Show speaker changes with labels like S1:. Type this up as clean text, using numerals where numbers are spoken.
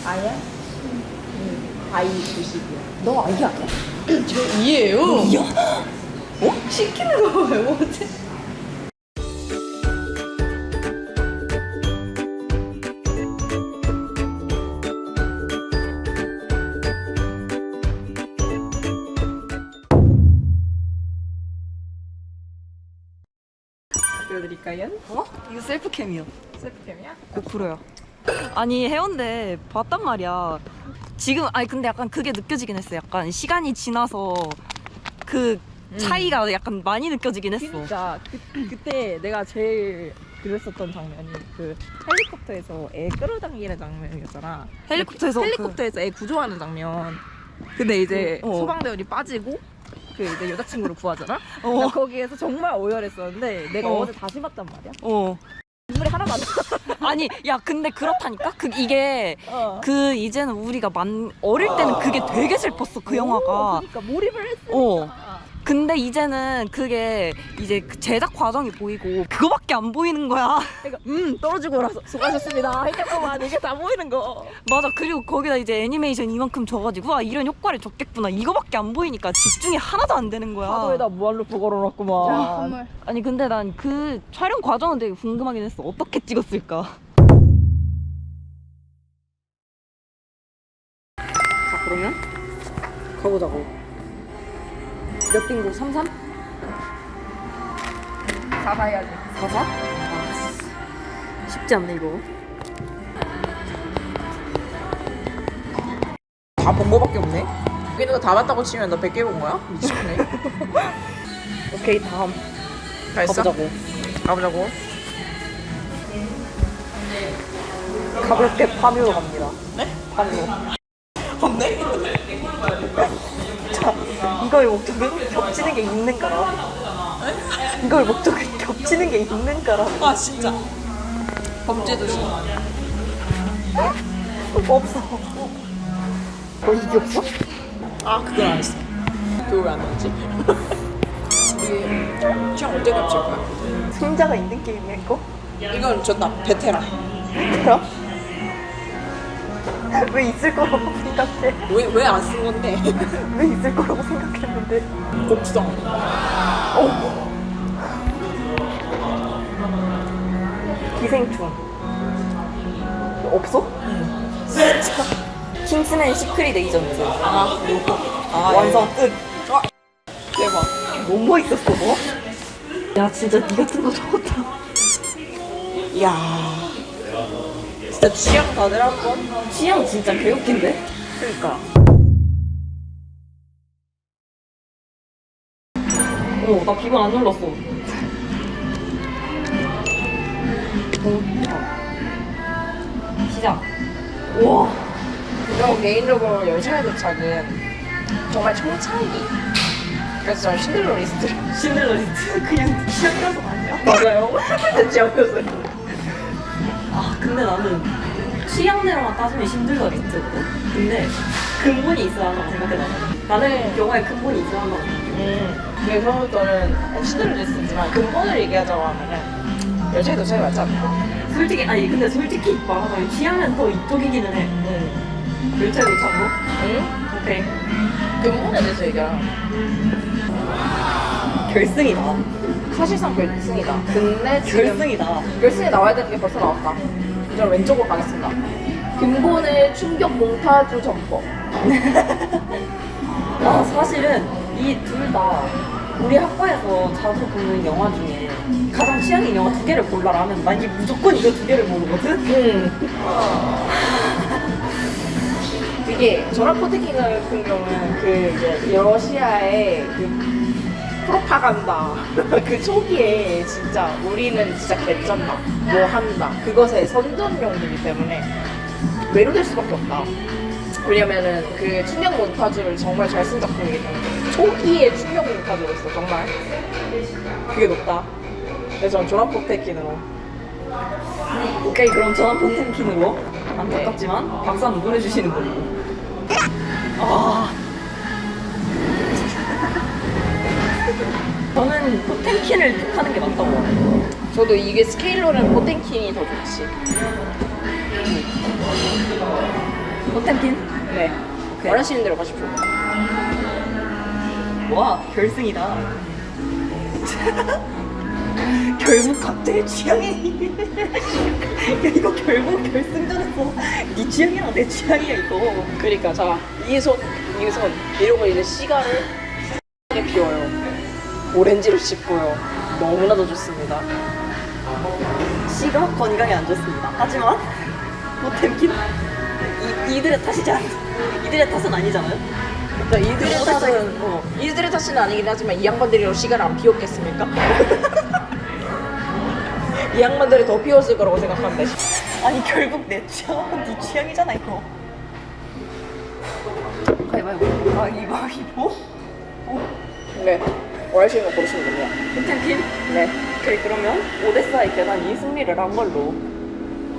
S1: 아야? 아이 90이야.
S2: 너 아이 아니야?
S1: 저 이예요.
S2: 이야?
S1: 어? 시키는 거 왜 못해? 보여드릴까요?
S2: 어? 이거 셀프캠이요.
S1: 셀프캠이야?
S2: 고프로야. 아니 해운대 봤단 말이야. 지금 아니 근데 약간 그게 느껴지긴 했어. 약간 시간이 지나서 그 차이가 약간 많이 느껴지긴 했어.
S1: 진짜 그때 내가 제일 그랬었던 장면이 그 헬리콥터에서 애 끌어당기는 장면이었잖아. 헬리콥터에서 애 구조하는 장면. 근데 이제 소방대원이 빠지고 그 이제 여자친구를 구하잖아. 나 거기에서 정말 오열했었는데 내가 어제 다시 봤단 말이야. 눈물이 하나도 안 나.
S2: 아니 야 근데 그렇다니까? 이게 그 이제는 우리가 어릴 때는 그게 되게 슬펐어 그 영화가.
S1: 그러니까 몰입을 했으니까.
S2: 근데 이제는 그게 이제 그 제작 과정이 보이고 그거밖에 안 보이는 거야.
S1: 그러니까 떨어지고 나서 수고하셨습니다. 했겠구만. 이게 다 보이는 거.
S2: 맞아. 그리고 거기다 이제 애니메이션 이만큼 줘가지고 아 이런 효과를 줬겠구나. 이거밖에 안 보이니까 집중이 하나도 안 되는 거야.
S1: 파도에다 무한루프 걸어놨구만.
S2: 아니 근데 난 그 촬영 과정은 되게 궁금하긴 했어. 어떻게 찍었을까? 자 그러면 가보자고. 몇 빙고? 33?
S1: 4사 해야지.
S2: 44? 아, 쉽지 않네 이거.
S1: 다 본 거밖에 없네. 여기 있는 거 다 봤다고 치면 너 100개 본 거야? 미치겠네.
S2: 오케이 다음
S1: 다 했어?
S2: 가보자고.
S1: 가보자고.
S2: 가볍게 파묘로 갑니다.
S1: 네?
S2: 파묘.
S1: 없네?
S2: 자, 이거의 목적은 겹치는 게 있는가라. 이거의 목적은 겹치는 게 있는가라.
S1: 아 진짜. 범죄도시.
S2: 없어. 이게 없어?
S1: 아 그건 안 했어. 그거 왜 안 나왔지? 우리 취향 언제 겹칠 거야?
S2: 승자가 있는 게임이야 이거?
S1: 이건 졌다. 베테랑.
S2: 그럼? 왜 있을 거라고 생각해?
S1: 왜 안 쓴 건데?
S2: 왜 있을 거라고 생각했는데?
S1: 곡성.
S2: 기생충. 없어? 진짜. 킹스맨 시크릿 에이전트. 완성 끝.
S1: 대박.
S2: 너무 멋있었어 뭐? 야 진짜 니 같은 거 적었다.
S1: 이야. 진짜 취향 다들 한 번?
S2: 취향 진짜 개웃긴데?
S1: 그러니까.
S2: 나 비번 안 눌렀어. 시작. 우와.
S1: 저 개인적으로 열차의 도착은 정말 총차기. 그래서 저는 신들러 리스트.
S2: 신들러 리스트 그냥 취향이라서 아니야?
S1: 맞아요. 대치였어요.
S2: 아 근데 나는 취향대로만 따지면 신들러 리스트거든? 근데 근본이 있어야 한다고 생각해 나는 영화에 근본이 있어야 한다고 생각해.
S1: 그래서 저는 신들러 리스트지만 근본을 얘기하자고 하면은 열차의 도착이 맞지 않나?
S2: 솔직히 아니 근데 솔직히 말하자면 취향은 더 이쪽이기는 해. 열차에 도착으로?
S1: 응?
S2: 오케이.
S1: 근본에 대해서 얘기하라.
S2: 결승이다.
S1: 사실상 결승이다. 근데 지금
S2: 결승이다.
S1: 결승에 나와야 되는 게 벌써 나왔다. 저는 왼쪽으로 가겠습니다. 근본의 충격 몽타주 점퍼.
S2: 아 사실은 이 둘 다 우리 학과에서 자주 보는 영화 중에 가장 취향인 영화 2개를 골라라면 난 이게 무조건 이거 2개를 모르거든?
S1: 이게 전화 포테킹 같은 경우는 그 이제 러시아의 그 프로파간다 그 초기에 진짜 우리는 진짜 개쩐다 뭐 한다 그것의 선전용이기 때문에 매료될 수밖에 없다. 왜냐면은 그 충격 몬타주를 정말 잘 쓴 작품이기 때문에 초기에 충격 몬타주였어 정말 그게 높다. 그래서 저는 전화 포테킹으로.
S2: 오케이 그럼 전원 포텐킨으로 안타깝지만 박수 한번 보내주시는 걸로. 저는 포텐킨을 택하는 게 맞다고 봐요.
S1: 저도 이게 스케일로는 포텐킹이 더 좋지.
S2: 포템킨?
S1: 네.
S2: 오케이.
S1: 원하시는 대로 가십시오.
S2: 와 결승이다. 결국 각자의 취향이. 야 이거 결국 결승전에서 네 취향이랑 내 취향이야 이거.
S1: 그러니까 자, 이손 이러고 이제 시가를 피워요. 오렌지를 씹고요. 너무나도 좋습니다.
S2: 씨가 건강에 안 좋습니다. 하지만 포템킨 이들의 탓이지 않. 이들의 탓은 아니잖아요.
S1: 자, 이들의
S2: 어땠어요?
S1: 탓은 이들의 탓은 아니긴 하지만 이 양반들이로 시가를 안 피웠겠습니까? 이 양반들이 더 피웠을 거라고 생각합니다.
S2: 아니 결국 내 취향은 네 취향이잖아 이거. 가위바위보. 가위바위보.
S1: 네. 원하시는 거 고르시면 됩니다.
S2: 포템킨?
S1: 네.
S2: 오케이 그러면 오데사의 계단 이 승리를 한 걸로.